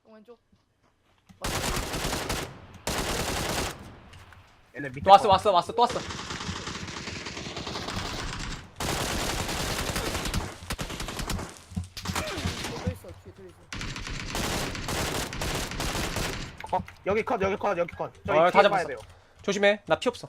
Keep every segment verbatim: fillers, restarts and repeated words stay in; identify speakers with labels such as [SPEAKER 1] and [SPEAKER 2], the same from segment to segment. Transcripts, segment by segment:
[SPEAKER 1] 형 왼쪽.
[SPEAKER 2] 얘네 밑에
[SPEAKER 3] 또 왔어
[SPEAKER 2] 거.
[SPEAKER 3] 왔어 왔어 또 왔어.
[SPEAKER 1] 또 있어. 뒤에 또 있어.
[SPEAKER 2] 컷. 여기 컷 여기 컷 여기 컷. 저기
[SPEAKER 3] 어,
[SPEAKER 2] 뒤에
[SPEAKER 3] 다
[SPEAKER 2] 봐야
[SPEAKER 3] 잡았어.
[SPEAKER 2] 돼요.
[SPEAKER 3] 조심해. 나 피 없어.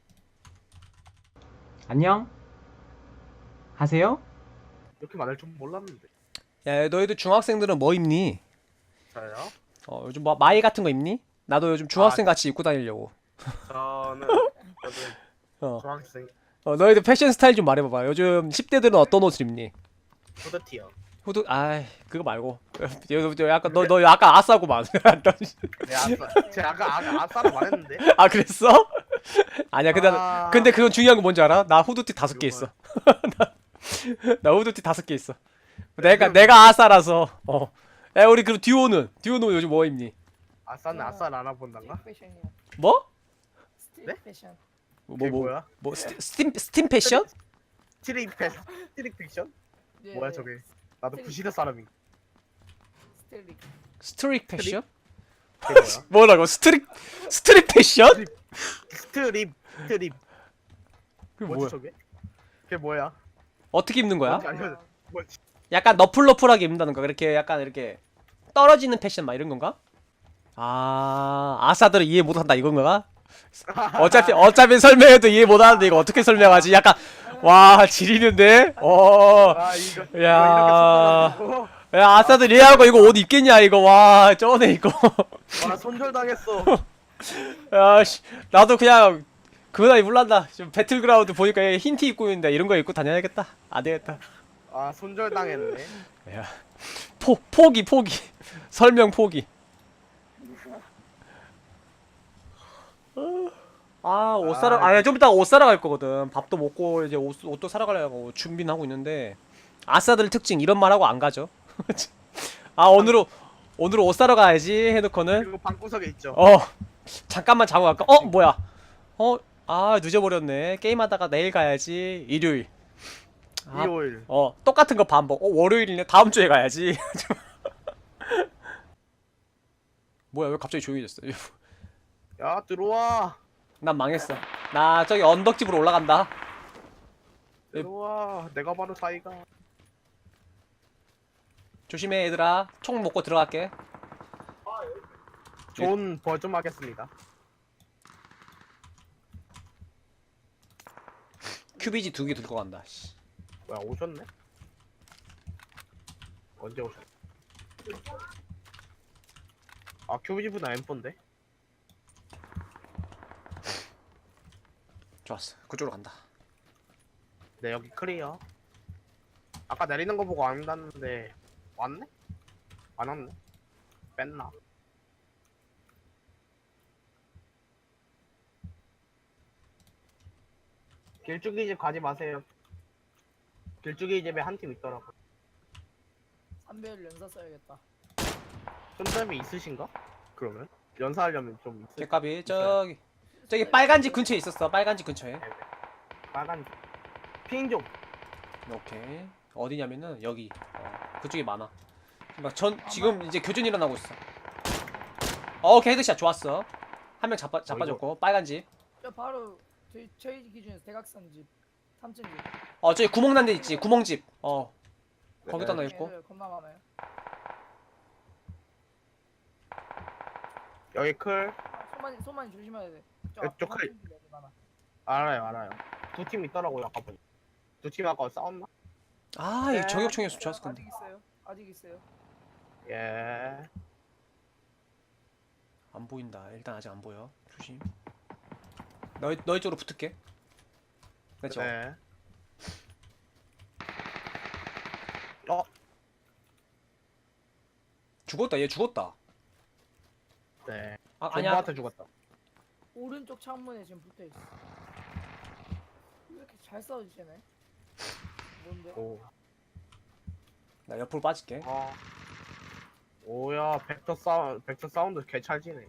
[SPEAKER 4] 안녕? 하세요?
[SPEAKER 2] 이렇게 많을 줄 몰랐는데.
[SPEAKER 3] 야 너희들 중학생들은 뭐 입니?
[SPEAKER 2] 저요?
[SPEAKER 3] 어 요즘 뭐 마이 같은 거 입니? 나도 요즘 중학생 같이 입고 다니려고.
[SPEAKER 2] 저는 저도
[SPEAKER 3] 어.
[SPEAKER 2] 중학생
[SPEAKER 3] 어 너희들 패션 스타일 좀 말해봐봐. 요즘 십 대들은 어떤 옷을 입니?
[SPEAKER 2] 후드티요.
[SPEAKER 3] 후드 아이 그거 말고. 여, 여, 약간 너 너 약간 아싸구만.
[SPEAKER 2] 네 아싸. 제가 아까 아까 아싸를 말했는데.
[SPEAKER 3] 아 그랬어? 아니야 근데
[SPEAKER 2] 아.
[SPEAKER 3] 근데 그건 중요한 거 뭔지 알아? 나 후드티 다섯 개
[SPEAKER 2] 이거
[SPEAKER 3] 있어. 나, 나 후드티 다섯 개 있어. 내가 내가 아싸라서. 어. 야 우리 그럼 듀오는 듀오는 요즘 뭐 입니?
[SPEAKER 2] 아싸는 아싸를 알아본단가?
[SPEAKER 1] 스트릿 패션이야.
[SPEAKER 3] 뭐?
[SPEAKER 1] 스트릿
[SPEAKER 2] 네?
[SPEAKER 1] 패션.
[SPEAKER 3] 뭐
[SPEAKER 2] 그게
[SPEAKER 3] 뭐
[SPEAKER 2] 뭐야?
[SPEAKER 3] 뭐 스팀 스팀, 스팀 패션?
[SPEAKER 2] 스트릿 패션? 스트릿 픽션?
[SPEAKER 1] 예,
[SPEAKER 2] 뭐야 저게? 나도
[SPEAKER 1] 스트릿.
[SPEAKER 2] 부시대 사람이.
[SPEAKER 1] 스트릿.
[SPEAKER 3] 스트릿 패션?
[SPEAKER 2] 그게 뭐야?
[SPEAKER 3] 뭐라고? 스트릿 스트릿 패션?
[SPEAKER 2] 스트립 스트립.
[SPEAKER 3] 그게
[SPEAKER 2] 뭐지
[SPEAKER 3] 뭐야?
[SPEAKER 2] 저게? 그게 뭐야?
[SPEAKER 3] 어떻게 입는 거야?
[SPEAKER 2] 뭔지 알려줘. 뭐지?
[SPEAKER 3] 약간 너플너플하게 입는다는 거. 이렇게 약간 이렇게 떨어지는 패션 막 이런 건가? 아 아싸들은 이해 못한다 이건가? 어차피 어차피 설명해도 이해 못하는데 이거 어떻게 설명하지? 약간 와 지리는데? 어.
[SPEAKER 2] 아 이거 이거
[SPEAKER 3] 야.
[SPEAKER 2] 이렇게 손절하고.
[SPEAKER 3] 야 아싸들 이해하고 이거 옷 입겠냐 이거. 와 쩌네 이거.
[SPEAKER 2] 와 손절 당했어.
[SPEAKER 3] 야씨 나도 그냥 그거나 입을란다. 좀 배틀그라운드 보니까 얘 흰 티 입고 있는데 이런 거 입고 다녀야겠다. 안 되겠다.
[SPEAKER 2] 아 손절 당했네.
[SPEAKER 3] 야 포 포기 포기 설명 포기. 아 옷 사러 아니 좀 이따 옷 사러 갈 거거든. 밥도 먹고 이제 옷 옷도 사러 가려고 준비는 하고 있는데 아싸들 특징 이런 말 하고 안 가죠. 아 오늘은 오늘은 옷 사러 가야지 해놓고는
[SPEAKER 2] 그리고 방구석에 있죠.
[SPEAKER 3] 어 잠깐만 자고 갈까? 어 뭐야? 어 아 늦어버렸네. 게임하다가 내일 가야지. 일요일. 아,
[SPEAKER 2] 일요일.
[SPEAKER 3] 어 똑같은 거 반복. 어 월요일이네. 다음 주에 가야지. 뭐야 왜 갑자기 조용해졌어?
[SPEAKER 2] 야 들어와.
[SPEAKER 3] 난 망했어. 나 저기 언덕집으로 올라간다.
[SPEAKER 2] 들어와. 내가 바로 사이가.
[SPEAKER 3] 조심해 얘들아. 총 먹고 들어갈게.
[SPEAKER 2] 좋은 벌 좀 하겠습니다.
[SPEAKER 3] 큐비지 두 개 들고 간다. 씨.
[SPEAKER 2] 뭐야 오셨네? 언제 오셨? 아 큐비지보다 엠포인데?
[SPEAKER 3] 좋았어. 그쪽으로 간다.
[SPEAKER 2] 네 여기 클리어. 아까 내리는 거 보고 안 갔는데 왔네? 안 왔네? 뺐나? 길쭉이 집 가지 마세요. 길쭉이 집에 한 팀 있더라고.
[SPEAKER 1] 삼배율 연사 써야겠다.
[SPEAKER 2] 손잡이 있으신가? 그러면 연사하려면 좀 있을.
[SPEAKER 3] 개까비 저기 저기 빨간 집 근처에 있었어. 빨간 집 근처에.
[SPEAKER 2] 빨간 핑 좀.
[SPEAKER 3] 오케이. 어디냐면은 여기. 어, 그쪽이 많아. 막 전 지금 이제 교전 일어나고 있어. 어, 오케이 헤드샷 좋았어. 한 명 잡아 잡아줬고 빨간 집.
[SPEAKER 1] 저 바로 저희 저희 기준에서 대각선 집, 삼층 집.
[SPEAKER 3] 어 저기 구멍 난 데 있지. 구멍집. 어 거기다
[SPEAKER 2] 네.
[SPEAKER 3] 나 있고.
[SPEAKER 1] 애들 겁나 많아요.
[SPEAKER 2] 여기 클.
[SPEAKER 1] 아, 소만이 소만이 조심해야 돼. 저
[SPEAKER 2] 이쪽
[SPEAKER 1] 앞에
[SPEAKER 2] 칼-
[SPEAKER 1] 삼층 집 애들 많아.
[SPEAKER 2] 알아요 알아요. 두 팀 있더라고요 아까 보니. 두 팀 아까 싸웠나?
[SPEAKER 3] 아, 이 저격총이었으면 좋았을 건데.
[SPEAKER 1] 아직 있어요. 아직 있어요.
[SPEAKER 2] 예.
[SPEAKER 3] 안 보인다. 일단 아직 안 보여. 조심. 너희 너희 쪽으로 붙을게. 그렇죠.
[SPEAKER 2] 네. 어?
[SPEAKER 3] 죽었다. 얘 죽었다.
[SPEAKER 2] 네.
[SPEAKER 3] 아, 아니야.
[SPEAKER 2] 존버한테 죽었다.
[SPEAKER 1] 오른쪽 창문에 지금 붙어 있어. 왜 이렇게 잘 싸워주시네? 뭔데?
[SPEAKER 2] 오.
[SPEAKER 3] 나 옆으로 빠질게.
[SPEAKER 2] 아. 오야 벡터 사운드 벡터 사운드 개찰지네.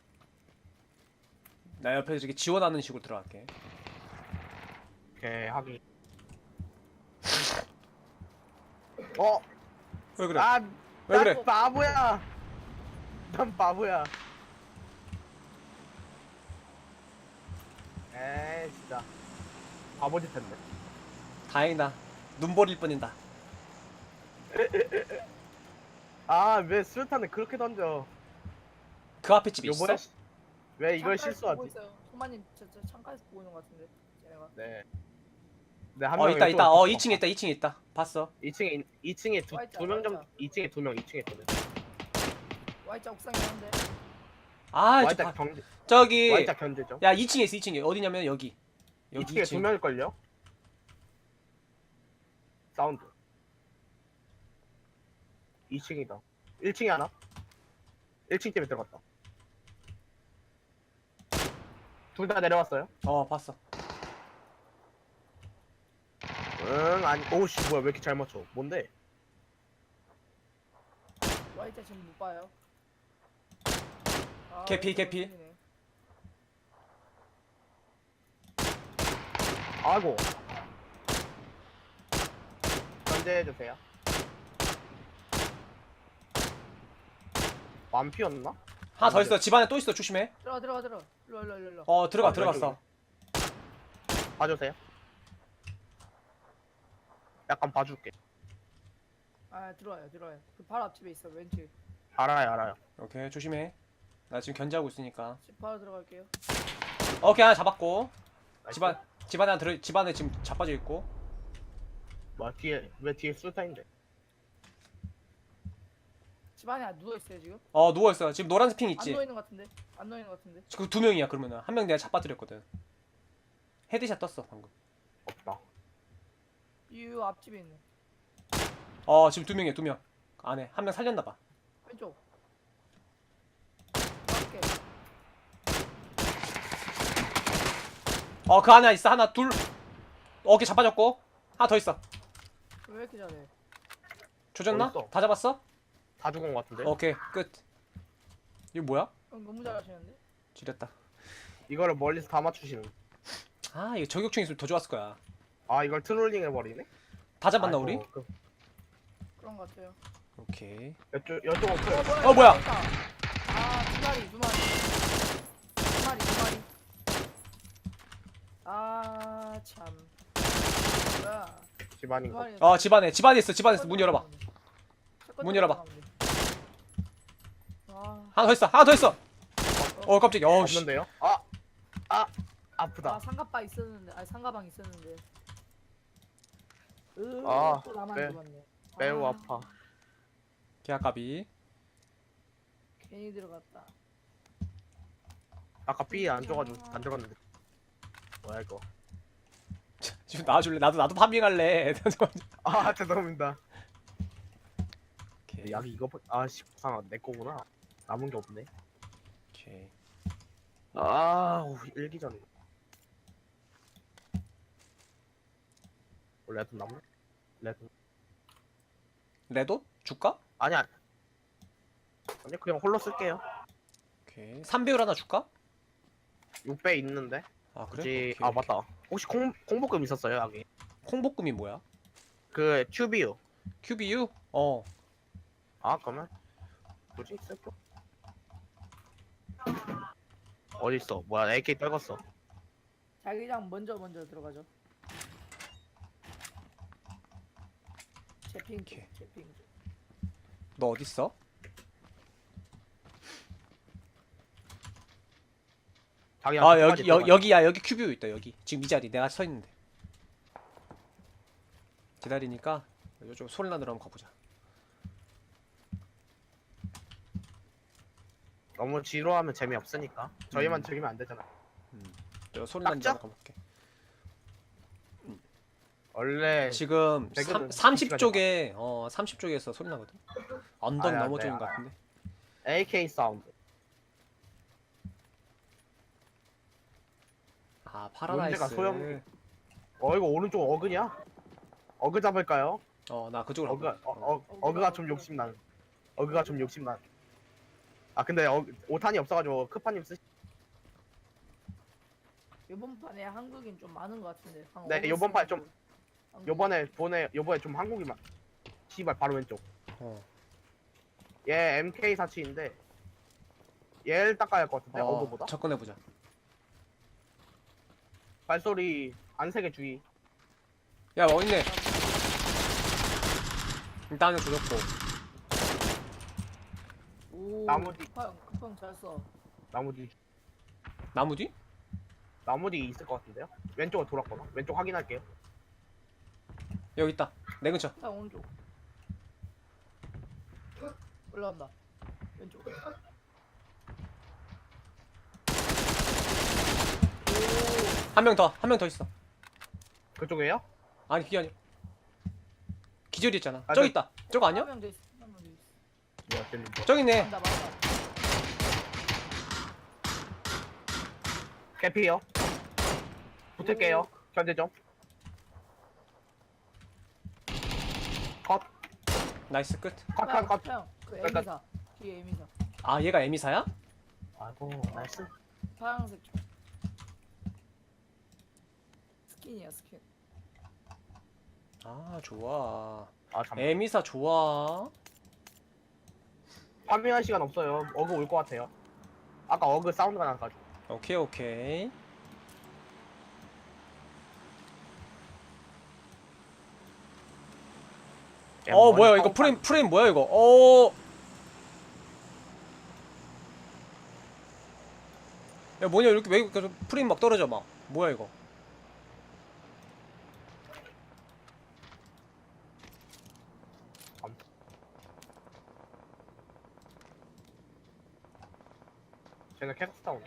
[SPEAKER 3] 나 옆에 이렇게 지원하는 식으로 들어갈게.
[SPEAKER 2] 개 하기. 어?
[SPEAKER 3] 왜 그래?
[SPEAKER 2] 아,
[SPEAKER 3] 왜
[SPEAKER 2] 나
[SPEAKER 3] 그래?
[SPEAKER 2] 바보야. 난 바보야. 에이 진짜 바보짓 했네.
[SPEAKER 3] 다행이다. 눈 버릴 뻔했다.
[SPEAKER 2] 아 왜 수류탄을 그렇게 던져?
[SPEAKER 3] 그 앞에 집에 있어?
[SPEAKER 2] 요번에 시- 왜 이걸
[SPEAKER 1] 창가에서 보고
[SPEAKER 2] 실수하지?
[SPEAKER 1] 있어요. 소마님 저, 저 창가에서 보고 있는 것 같은데. 쟤네가.
[SPEAKER 2] 네. 네한
[SPEAKER 3] 어
[SPEAKER 2] 명
[SPEAKER 3] 있다 있다. 어 이 층에 있다 이 층에 있다. 봤어.
[SPEAKER 2] 이 층에 이 층에
[SPEAKER 1] 와있자,
[SPEAKER 2] 두명 정도
[SPEAKER 1] 와있자.
[SPEAKER 2] 이 층에 두 명, 이 층에 두 명.
[SPEAKER 1] Y자 옥상에 있는데.
[SPEAKER 3] 아 저,
[SPEAKER 2] 와이자
[SPEAKER 3] 봐.
[SPEAKER 2] 경제
[SPEAKER 3] 저기
[SPEAKER 2] 와이자 견제죠.
[SPEAKER 3] 야 이 층에 있어 이 층에 어디냐면 여기.
[SPEAKER 2] 이
[SPEAKER 3] 여기
[SPEAKER 2] 층에
[SPEAKER 3] 이 층.
[SPEAKER 2] 두 명일 걸요. 사운드. 이 층이다. 일 층에 하나. 일 층 때문에 들어갔다. 둘 다 내려왔어요.
[SPEAKER 3] 어 봤어.
[SPEAKER 2] 응 아니 오우씨 뭐야 왜 이렇게 잘 맞춰? 뭔데?
[SPEAKER 1] Y자 지금 못 봐요. 아,
[SPEAKER 3] 개피,
[SPEAKER 1] 이거
[SPEAKER 3] 개피.
[SPEAKER 1] 생기네.
[SPEAKER 2] 아이고. 견제해주세요. 완피였나?
[SPEAKER 3] 하나 더 있어. 집 안에 또 있어. 조심해.
[SPEAKER 1] 들어가 들어가 들어. 일로 일로 일로 일로.
[SPEAKER 3] 어 들어가
[SPEAKER 2] 어,
[SPEAKER 3] 들어갔어.
[SPEAKER 2] 봐주세요. 약간 봐줄게.
[SPEAKER 1] 아 들어와요 들어와요. 그 바로 앞집에 있어 왼쪽.
[SPEAKER 2] 알아요 알아요.
[SPEAKER 3] 오케이 조심해. 나 지금 견제하고 있으니까.
[SPEAKER 1] 집 바로 들어갈게요.
[SPEAKER 3] 오케이 하나 잡았고.
[SPEAKER 2] 나이스.
[SPEAKER 3] 집안 집안에 하나 들어 집안에 지금 자빠져 있고.
[SPEAKER 2] 뭐야 뒤에 왜 뒤에 수류탄인데?
[SPEAKER 1] 집 안에 누워 있어요 지금.
[SPEAKER 3] 어 누워 있어. 지금 노란색 핑
[SPEAKER 1] 안
[SPEAKER 3] 있지.
[SPEAKER 1] 누워 있는 것 같은데. 안 누워 있는 것 같은데.
[SPEAKER 3] 그 두 명이야 그러면은 한 명 내가 자빠뜨렸거든. 헤드샷 떴어 방금.
[SPEAKER 2] 없다.
[SPEAKER 1] 이 앞집에 있네.
[SPEAKER 3] 어 지금 두 명이야 두 명. 안에 한 명 살렸나 봐.
[SPEAKER 1] 왼쪽. 밖에.
[SPEAKER 3] 어 그 안에 있어 하나 둘. 어깨 자빠졌고 하나 더 있어.
[SPEAKER 1] 왜 이렇게 잘해?
[SPEAKER 3] 조졌나?
[SPEAKER 2] 어딨어?
[SPEAKER 3] 다 잡았어?
[SPEAKER 2] 다 죽은 것 같은데?
[SPEAKER 3] 오케이 끝. 이거 뭐야?
[SPEAKER 1] 형 너무 잘하시는데.
[SPEAKER 3] 지렸다.
[SPEAKER 2] 이거를 멀리서 다 맞추시는.
[SPEAKER 3] 아 이거 저격총 있으면 더 좋았을 거야.
[SPEAKER 2] 아 이걸 트롤링 해버리네?
[SPEAKER 3] 다 잡았나
[SPEAKER 2] 아이고,
[SPEAKER 3] 우리?
[SPEAKER 2] 그,
[SPEAKER 1] 그런 것 같아요.
[SPEAKER 3] 오케이.
[SPEAKER 2] 여쪽 여쪽은
[SPEAKER 1] 어
[SPEAKER 2] 그
[SPEAKER 1] 뭐야?
[SPEAKER 3] 어, 뭐야?
[SPEAKER 1] 있다. 아두 마리 두 마리. 두 마리 두 마리. 아 참. 뭐야?
[SPEAKER 2] 집안인
[SPEAKER 1] 두
[SPEAKER 2] 거.
[SPEAKER 1] 마리.
[SPEAKER 3] 어 집안에 집안에 있어 집안에 있어 문 열어봐. 문 열어봐.
[SPEAKER 1] 와.
[SPEAKER 3] 하나 더 있어 하나 더 있어. 어 깜짝이야. 어우씨.
[SPEAKER 2] 없는데요? 아, 아 아프다.
[SPEAKER 1] 아 상가방 있었는데. 아니 상가방 있었는데. 으,
[SPEAKER 2] 아,
[SPEAKER 1] 또 나만
[SPEAKER 2] 매-
[SPEAKER 1] 죽었네.
[SPEAKER 2] 매우
[SPEAKER 1] 아,
[SPEAKER 2] 아파.
[SPEAKER 3] 계약값이.
[SPEAKER 1] 괜히 들어갔다.
[SPEAKER 2] 아까 B 안 줘가지고 안 들어갔는데. 뭐야 이거?
[SPEAKER 3] 지금 나와줄래? 나도 나도 파밍할래.
[SPEAKER 2] 아 죄송합니다.
[SPEAKER 3] 오케이.
[SPEAKER 2] 약 이거 아씨 부상 내 거구나. 남은 게 없네.
[SPEAKER 3] 오케이.
[SPEAKER 2] 아 일기전. 원래 좀 남네. 레드.
[SPEAKER 3] 레도 줄까?
[SPEAKER 2] 아니야. 아니 그냥 홀로 쓸게요.
[SPEAKER 3] 오케이. 삼 배율 하나 줄까?
[SPEAKER 2] 육 배 있는데.
[SPEAKER 3] 아 그래?
[SPEAKER 2] 굳이
[SPEAKER 3] 오케이,
[SPEAKER 2] 아
[SPEAKER 3] 오케이.
[SPEAKER 2] 맞다. 혹시 콩 콩볶음 있었어요 여기?
[SPEAKER 3] 콩볶음이 뭐야?
[SPEAKER 2] 그 튜비유.
[SPEAKER 3] 큐비유? 어.
[SPEAKER 2] 아 그러면 뭐지 쓸게. 어디 있어? 뭐야 에이케이 떨궜어.
[SPEAKER 1] 자기장 먼저 먼저 들어가죠. 제핑
[SPEAKER 3] 오케이.
[SPEAKER 1] 제핑.
[SPEAKER 3] 너 어디 있어?
[SPEAKER 2] 자기
[SPEAKER 3] 아 여기 여, 여기야 여기 큐비유 있다 여기. 지금 이 자리 내가 서 있는데. 기다리니까 요쪽 소리 나느라 한번 가보자.
[SPEAKER 2] 너무 지루하면 재미없으니까 저희만
[SPEAKER 3] 음.
[SPEAKER 2] 즐기면 안 되잖아.
[SPEAKER 3] 저 소리
[SPEAKER 2] 딱
[SPEAKER 3] 나는
[SPEAKER 2] 짜?
[SPEAKER 3] 데 가볼게.
[SPEAKER 2] 원래
[SPEAKER 3] 지금
[SPEAKER 2] 배그는
[SPEAKER 3] 삼, 삼십
[SPEAKER 2] 시간이
[SPEAKER 3] 쪽에 어 삼십 쪽에서 소리 나거든. 언덕
[SPEAKER 2] 아야,
[SPEAKER 3] 넘어져 있는
[SPEAKER 2] 네,
[SPEAKER 3] 것 같은데.
[SPEAKER 2] 에이케이 사운드.
[SPEAKER 3] 아 파라다이스.
[SPEAKER 2] 문제가 소형- 어 이거 오른쪽 어그냐? 어그 잡을까요?
[SPEAKER 3] 어나 그쪽으로
[SPEAKER 2] 어그
[SPEAKER 3] 가볼게.
[SPEAKER 2] 어, 어, 어그가 좀 욕심난. 어그가 좀 욕심난. 아 근데 어, 오탄이 없어가지고 크파님 쓰시.
[SPEAKER 1] 이번 판에 한국인 좀 많은 것 같은데. 한
[SPEAKER 2] 네,
[SPEAKER 1] 오버스
[SPEAKER 2] 요번 판 좀-
[SPEAKER 1] 한국.
[SPEAKER 2] 요번에 보내 요번에 좀 한국이만. 시발 바로 왼쪽.
[SPEAKER 3] 어.
[SPEAKER 2] 얘 엠케이 사칠인데 얘를 닦아야 할 것 같은데
[SPEAKER 3] 어,
[SPEAKER 2] 어그보다.
[SPEAKER 3] 접근해보자.
[SPEAKER 2] 발소리 안 세게 주의.
[SPEAKER 3] 야, 어딨네. 일단 한명 조졌고.
[SPEAKER 1] 오.
[SPEAKER 2] 나무 뒤.
[SPEAKER 1] 급형 급형 잘 써.
[SPEAKER 2] 나무 뒤.
[SPEAKER 3] 나무 뒤?
[SPEAKER 2] 나무 뒤 있을 것 같은데요? 왼쪽으로 돌았거나. 왼쪽 확인할게요.
[SPEAKER 3] 여기 있다. 내 근처.
[SPEAKER 1] 형 오른쪽. 올라간다. 왼쪽.
[SPEAKER 3] 한 명 더, 한 명 더 있어.
[SPEAKER 2] 그쪽에요?
[SPEAKER 3] 아니, 그게 아니. 기절이 있잖아.
[SPEAKER 2] 아,
[SPEAKER 3] 저기
[SPEAKER 2] 저-
[SPEAKER 3] 있다. 저거 아니야?
[SPEAKER 1] 한명 더 있어. 한명 더 있어.
[SPEAKER 2] 뭐야 쟤는 뭐.
[SPEAKER 3] 저기 있네.
[SPEAKER 1] 맞다 맞다.
[SPEAKER 2] 개피요. 붙을게요. 견제 좀. 컷.
[SPEAKER 3] 나이스 끝.
[SPEAKER 2] 컷, 컷, 컷.
[SPEAKER 1] 형, 그
[SPEAKER 2] 끝, 끝.
[SPEAKER 1] 에미사. 뒤에 에미사.
[SPEAKER 3] 아, 얘가 에미사야?
[SPEAKER 2] 아이고, 나이스.
[SPEAKER 1] 파란색 쪽. 스킨이야 스킨.
[SPEAKER 3] 아, 좋아.
[SPEAKER 2] 아, 잠
[SPEAKER 3] 에미사 좋아.
[SPEAKER 2] 파밍할 시간 없어요. 어그 올 것 같아요. 아까 어그 사운드가 나가지고.
[SPEAKER 3] 오케이, 오케이. 어, 뭐야, 이거 프레임, 프레임 뭐야, 이거? 어. 야, 뭐냐, 이렇게 왜 이렇게 프레임 막 떨어져, 막. 뭐야, 이거?
[SPEAKER 2] 쟤는 계속 싸우네.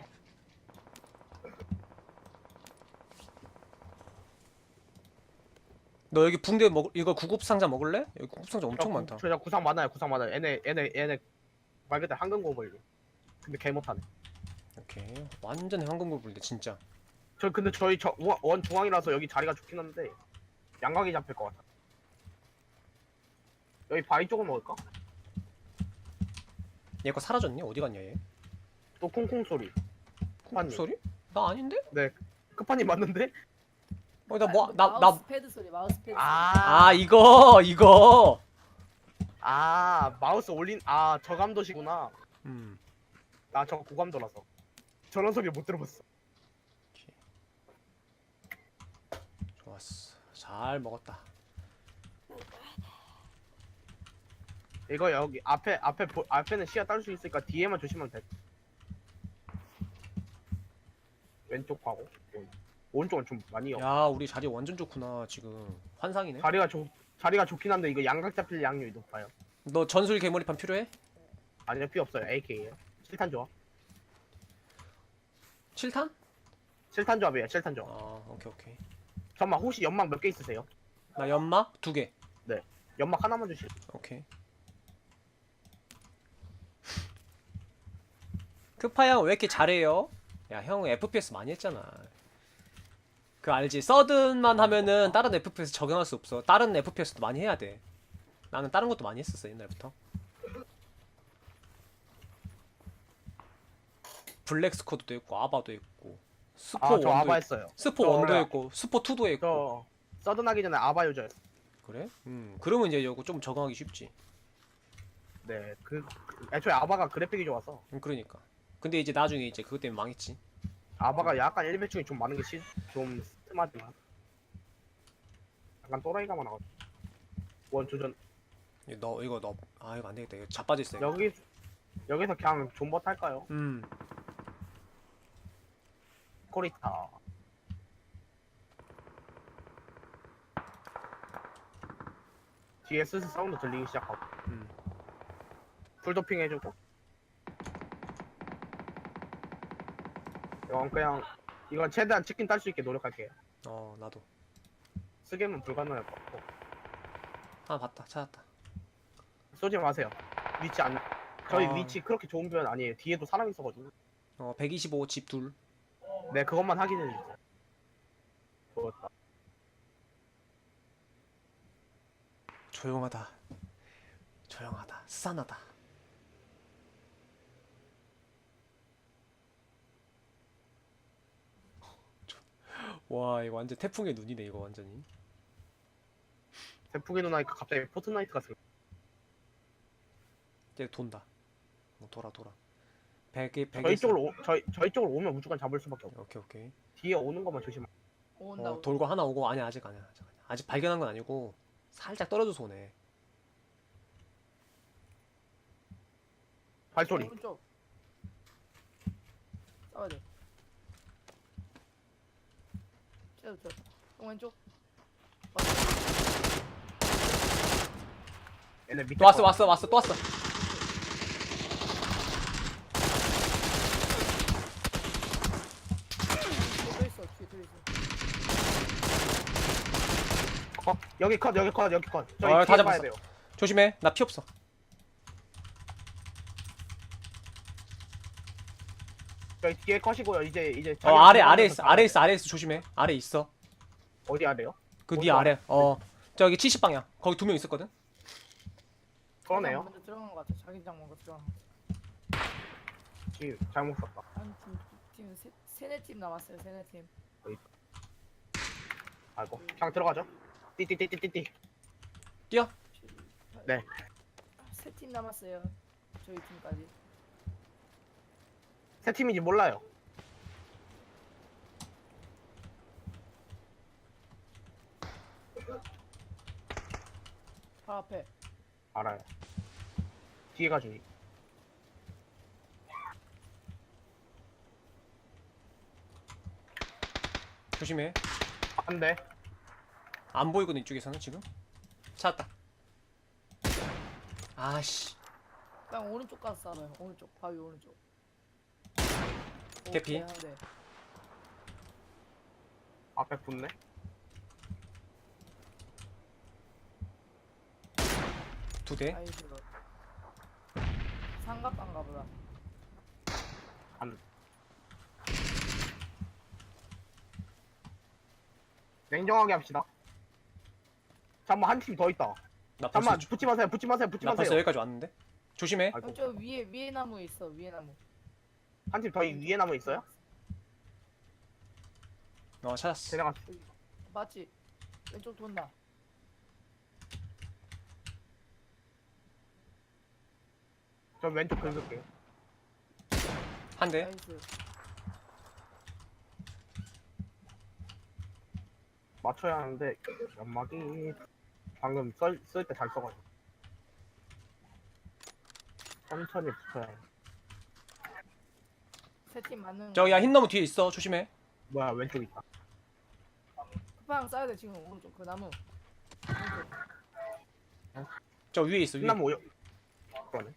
[SPEAKER 3] 너 여기 붕대 먹, 이거 구급 상자 먹을래? 여기 구급 상자 엄청
[SPEAKER 2] 저 구-
[SPEAKER 3] 많다.
[SPEAKER 2] 저, 저 구상 많아요. 구상 많아요. 얘네 얘네 얘네 말 그대로 황금 고블. 근데 개 못하네.
[SPEAKER 3] 오케이. 완전 황금고블인데, 진짜.
[SPEAKER 2] 저 근데 저희 저 원 중앙이라서 여기 자리가 좋긴 한데 양각이 잡힐 것 같아. 여기 바위 쪽을 먹을까?
[SPEAKER 3] 얘 거 사라졌니? 어디 갔냐, 얘?
[SPEAKER 2] 또 콩콩 소리.
[SPEAKER 3] 쿵 소리? 나 아닌데?
[SPEAKER 2] 네. 끝판이 맞는데?
[SPEAKER 3] 어, 나 뭐, 나, 나.
[SPEAKER 1] 마우스 패드 소리. 마우스 패드. 소리.
[SPEAKER 2] 아,
[SPEAKER 3] 아, 이거, 이거.
[SPEAKER 2] 아 마우스 올린 아 저감도시구나.
[SPEAKER 3] 음.
[SPEAKER 2] 나 저거 고감도라서 저런 소리 못 들어봤어.
[SPEAKER 3] 좋았어. 잘 먹었다.
[SPEAKER 2] 이거 여기 앞에 앞에 보, 앞에는 시야 딸 수 있으니까 뒤에만 조심하면 돼. 왼쪽 가고 오- 오른쪽은 좀 많이 요
[SPEAKER 3] 야, 우리 자리 완전 좋구나, 지금. 환상이네.
[SPEAKER 2] 자리가 좋 자리가 좋긴 한데 이거 양각 잡힐 양률이 높아요.
[SPEAKER 3] 너 전술 개머리판 필요해?
[SPEAKER 2] 아니요 필요 없어요. 에이케이에요. 칠탄 조합.
[SPEAKER 3] 칠 탄?
[SPEAKER 2] 칠탄 조합이에요. 칠탄 조합.
[SPEAKER 3] 아, 오케이, 오케이.
[SPEAKER 2] 잠깐만 혹시 연막 몇 개 있으세요?
[SPEAKER 3] 나 연막 두 개.
[SPEAKER 2] 연막 하나만 주시.
[SPEAKER 3] 오케이. 크파 형 왜 이렇게 잘해요? 야, 형 에프피에스 많이 했잖아. 그 알지? 서든만 하면은 다른 에프피에스 적용할 수 없어. 다른 에프피에스도 많이 해야 돼. 나는 다른 것도 많이 했었어, 옛날부터. 블랙 스쿼드도 있고 아바도 있고 스포
[SPEAKER 2] 아 저
[SPEAKER 3] 원도
[SPEAKER 2] 아바
[SPEAKER 3] 있고
[SPEAKER 2] 했어요.
[SPEAKER 3] 스포
[SPEAKER 2] 저
[SPEAKER 3] 원도
[SPEAKER 2] 원래-
[SPEAKER 3] 있고 스포 투도 있고.
[SPEAKER 2] 저 서든하기 전에 아바 유저였어.
[SPEAKER 3] 그래? 음, 그러면 이제 이거 좀 적응하기 쉽지.
[SPEAKER 2] 네, 그 그- 애초에 아바가 그래픽이 좋아서
[SPEAKER 3] 음, 그러니까. 근데 이제 나중에 이제 그것 때문에 망했지.
[SPEAKER 2] 아바가 약간 일배충이 좀 많은 게 좀 스트하지만 약간 또라이가 많아가지고 원조전
[SPEAKER 3] 이거 너 이거 너 아 이거 안 되겠다. 이거 자빠질 세.
[SPEAKER 2] 여기 여기서 그냥 존버 탈까요?
[SPEAKER 3] 음.
[SPEAKER 2] 코리타 뒤에 슬슬 사운드 들리기 시작하고
[SPEAKER 3] 음.
[SPEAKER 2] 풀도핑 해주고 이건 그냥 이건 최대한 치킨 딸 수 있게 노력할게요.
[SPEAKER 3] 어, 나도.
[SPEAKER 2] 쓰게는 불가능할 것 같고
[SPEAKER 3] 하나 봤다. 찾았다.
[SPEAKER 2] 쏘지 마세요. 위치 안 저희
[SPEAKER 3] 아.
[SPEAKER 2] 위치 그렇게 좋은 편 아니에요. 뒤에도 사람 있어가지고
[SPEAKER 3] 어, 백이십오 집 둘.
[SPEAKER 2] 네 그것만 확인해 주세요. 좋았다.
[SPEAKER 3] 조용하다. 조용하다. 스산하다. 와, 이거 완전 태풍의 눈이네, 이거 완전히.
[SPEAKER 2] 대풍이 누나니까 갑자기 포트나이트 같은
[SPEAKER 3] 이제 돈다. 어, 돌아, 돌아. 백이 백이
[SPEAKER 2] 저희 쪽으로 오, 저희 저희 쪽으로 오면 무조건 잡을 수밖에 없어.
[SPEAKER 3] 오케이 오케이.
[SPEAKER 2] 뒤에 오는 것만 조심.
[SPEAKER 1] 온다.
[SPEAKER 3] 어 돌고 하나 오고 아니 아직 아니야 아직 아니야. 아직 발견한 건 아니고 살짝 떨어져서 오네.
[SPEAKER 2] 발소리.
[SPEAKER 1] 오른쪽. 싸워야 돼. 쟤도 저. 형 왼쪽.
[SPEAKER 2] 얘네 밑에
[SPEAKER 3] 또 왔어
[SPEAKER 2] 거.
[SPEAKER 3] 왔어 왔어 또 왔어.
[SPEAKER 1] 또 있어. 뒤에 또 있어.
[SPEAKER 2] 어, 여기 컷 여기 컷 여기 컷. 저희
[SPEAKER 3] 어, 다
[SPEAKER 2] 뒤에 봐야
[SPEAKER 3] 잡았어.
[SPEAKER 2] 돼요.
[SPEAKER 3] 조심해 나 피 없어.
[SPEAKER 2] 저희 뒤에 컷이고요. 이제 이제.
[SPEAKER 3] 어
[SPEAKER 2] 자기가
[SPEAKER 3] 아래 아래
[SPEAKER 2] 들어가면서
[SPEAKER 3] 있어
[SPEAKER 2] 가야
[SPEAKER 3] 아래
[SPEAKER 2] 돼요.
[SPEAKER 3] 있어 아래 있어 조심해. 아래 있어.
[SPEAKER 2] 어디 아래요?
[SPEAKER 3] 그
[SPEAKER 2] 어디
[SPEAKER 3] 네 아래. 어 저기 칠십 방향. 거기 두 명 있었거든.
[SPEAKER 2] 그러네요.
[SPEAKER 1] 먼저 들어간 것 같아. 자기장 먼저 들어간 것
[SPEAKER 2] 지금 잘못 썼다.
[SPEAKER 1] 같아. 한팀 팀 세, 세네 팀 남았어요. 세네 팀.
[SPEAKER 2] 아이고 그냥 들어가죠. 띠띠띠띠띠띠.
[SPEAKER 3] 뛰어.
[SPEAKER 2] 네.
[SPEAKER 1] 세 팀 남았어요. 저희 팀까지.
[SPEAKER 2] 새 팀인지 몰라요.
[SPEAKER 1] 바로 앞에.
[SPEAKER 2] 알아요. 뒤에가 주의.
[SPEAKER 3] 조심해.
[SPEAKER 2] 한 대.
[SPEAKER 3] 안 보이거든 이쪽에서는 지금. 찾았다. 아씨.
[SPEAKER 1] 그냥 오른쪽 가서 싸워요. 오른쪽. 바위 오른쪽.
[SPEAKER 3] 개피.
[SPEAKER 1] 오케이, 한 대.
[SPEAKER 2] 앞에 붙네.
[SPEAKER 3] 두 대.
[SPEAKER 1] 나이스. 삼각관가 보다.
[SPEAKER 2] 한. 냉정하게 합시다. 잠깐만 한 팀 더 있다.
[SPEAKER 3] 나 벌써
[SPEAKER 2] 잠깐만
[SPEAKER 3] 주-
[SPEAKER 2] 붙지 마세요. 붙지 마세요. 붙지
[SPEAKER 3] 나 벌써
[SPEAKER 2] 마세요.
[SPEAKER 3] 여기까지 왔는데. 조심해.
[SPEAKER 2] 아이고.
[SPEAKER 1] 형, 저 위에 위에 나무에 있어. 위에 나무.
[SPEAKER 2] 한 팀 더 위에 남아 있어요?
[SPEAKER 3] 어 찾았어.
[SPEAKER 2] 쟤네가
[SPEAKER 1] 맞지? 왼쪽 돈다.
[SPEAKER 2] 저 왼쪽 긁을게요.
[SPEAKER 3] 한 대.
[SPEAKER 1] 나이스.
[SPEAKER 2] 맞춰야 하는데 연막이 방금 쓸 때 잘 써가지고 천천히 붙여야 해.
[SPEAKER 1] 세 팀 맞는.
[SPEAKER 3] 저기 야 흰 나무 뒤에 있어. 조심해.
[SPEAKER 2] 뭐야 왼쪽 있다.
[SPEAKER 1] 쿠팡 쏴야 돼 지금 오른쪽 그 나무. 오른쪽.
[SPEAKER 3] 저 위에 있어. 위에.
[SPEAKER 2] 끝나면 오요. 그러네.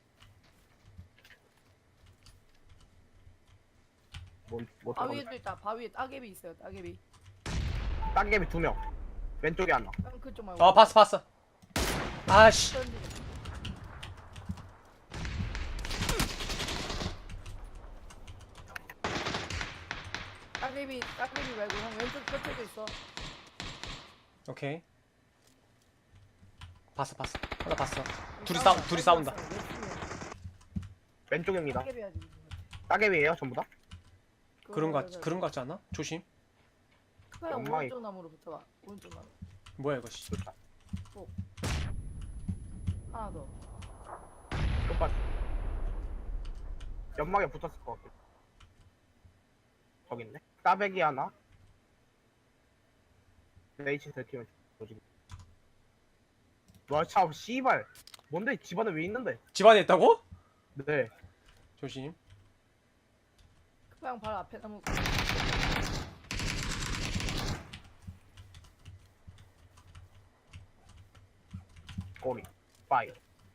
[SPEAKER 2] 뭔, 뭐
[SPEAKER 1] 바위에도 있다. 바위에 따개비 있어요. 따개비.
[SPEAKER 2] 따개비 두 명. 왼쪽에 하나.
[SPEAKER 1] 형 그쪽 말고.
[SPEAKER 3] 어 봤어 봤어. 아씨.
[SPEAKER 1] 던지네. 따개비 따개비 말고 형 왼쪽 끝에도 있어.
[SPEAKER 3] 오케이. 봤어 봤어. 하나 봤어. 둘이 싸 둘이 싸운다.
[SPEAKER 2] 왼쪽입니다.
[SPEAKER 1] 따개비 하지.
[SPEAKER 2] 따개비예요 전부 다?
[SPEAKER 3] 그런 거 같, 그런 거 같지 않아? 조심.
[SPEAKER 1] 형
[SPEAKER 2] 연막이-
[SPEAKER 1] 오른쪽 나무로 붙어봐. 오른쪽 나무.
[SPEAKER 3] 뭐야 이거 씨.
[SPEAKER 2] 좋다.
[SPEAKER 1] 하나 더.
[SPEAKER 2] 똑같이. 연막에 붙었을 것 같아. 저기 있네. 따배기 하나. 레이치 들키면 조지. 와, 참, 씨발. 뭔데 집안에 왜 있는데?
[SPEAKER 3] 집안에 있다고?
[SPEAKER 2] 네.
[SPEAKER 3] 조심.
[SPEAKER 1] 형 바로 앞에 나무.
[SPEAKER 2] 꼬리. 파이.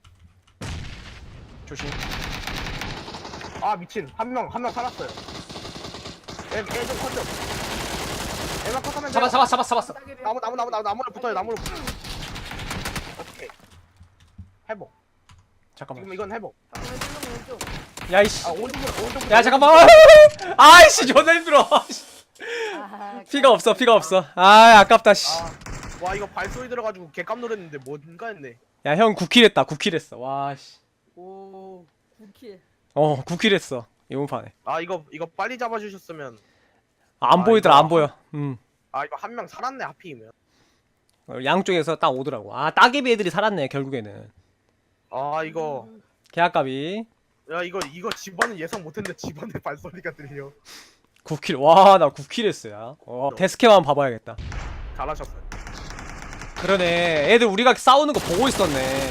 [SPEAKER 3] 조심.
[SPEAKER 2] 아, 미친. 한 명, 한 명 살았어요. 얘, 얘좀 컸죠? 얘만 컸으면
[SPEAKER 3] 잡았 잡았 잡았 잡았어.
[SPEAKER 1] 따개비
[SPEAKER 2] 나무, 나무, 나무, 나무, 나무로 붙어요, 나무로 붙어요. 오케이. 회복.
[SPEAKER 3] 잠깐만.
[SPEAKER 2] 지금 이건 회복.
[SPEAKER 1] 형 왼쪽 왼쪽.
[SPEAKER 3] 야이씨.
[SPEAKER 2] 아, 오른쪽으로, 오른쪽으로.
[SPEAKER 3] 야 잠깐만. 아이씨 존나 힘들어.
[SPEAKER 1] 아,
[SPEAKER 3] 피가 없어 피가 없어. 아 아깝다 씨.
[SPEAKER 2] 아, 와, 이거 발소리 들어가지고 개깜 놀랐는데 뭔가 했네.
[SPEAKER 3] 야 형 구 킬 했다. 구 킬 했어. 와 씨.
[SPEAKER 1] 오, 구킬.
[SPEAKER 3] 어 구 킬 했어. 이번 판에.
[SPEAKER 2] 아, 이거, 이거 빨리 잡아주셨으면.
[SPEAKER 3] 안
[SPEAKER 2] 아,
[SPEAKER 3] 보이더라
[SPEAKER 2] 이거
[SPEAKER 3] 안 보여. 음.
[SPEAKER 2] 아, 이거 한 명 살았네, 하필이면.
[SPEAKER 3] 어, 양쪽에서 딱 오더라고. 아 따개비 애들이 살았네 결국에는.
[SPEAKER 2] 아, 이거.
[SPEAKER 3] 개아깝이.
[SPEAKER 2] 야 이거 이거 집안은 예상 못했는데 집안에 발소리가 들려.
[SPEAKER 3] 구 킬. 와, 나 구 킬 했어요. 어, 데스캠 한번 봐봐야겠다.
[SPEAKER 2] 잘하셨어요.
[SPEAKER 3] 그러네. 애들 우리가 싸우는 거 보고 있었네.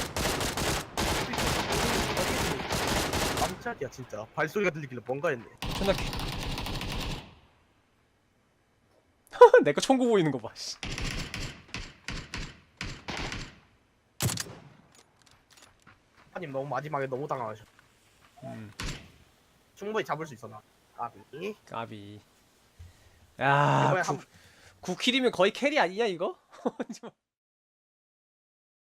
[SPEAKER 2] 깜짝이야 진짜. 발소리가 들리길래 뭔가 했네.
[SPEAKER 3] 존나 개. 내거 총구 보이는 거 봐. 씨.
[SPEAKER 2] 아님 너무 마지막에 너무 당황하셔.
[SPEAKER 3] 음,
[SPEAKER 2] 충분히 잡을 수 있었나? 아비.
[SPEAKER 3] 까비. 야,
[SPEAKER 2] 이번에
[SPEAKER 3] 구,
[SPEAKER 2] 한
[SPEAKER 3] 구 킬이면 거의 캐리 아니냐 이거?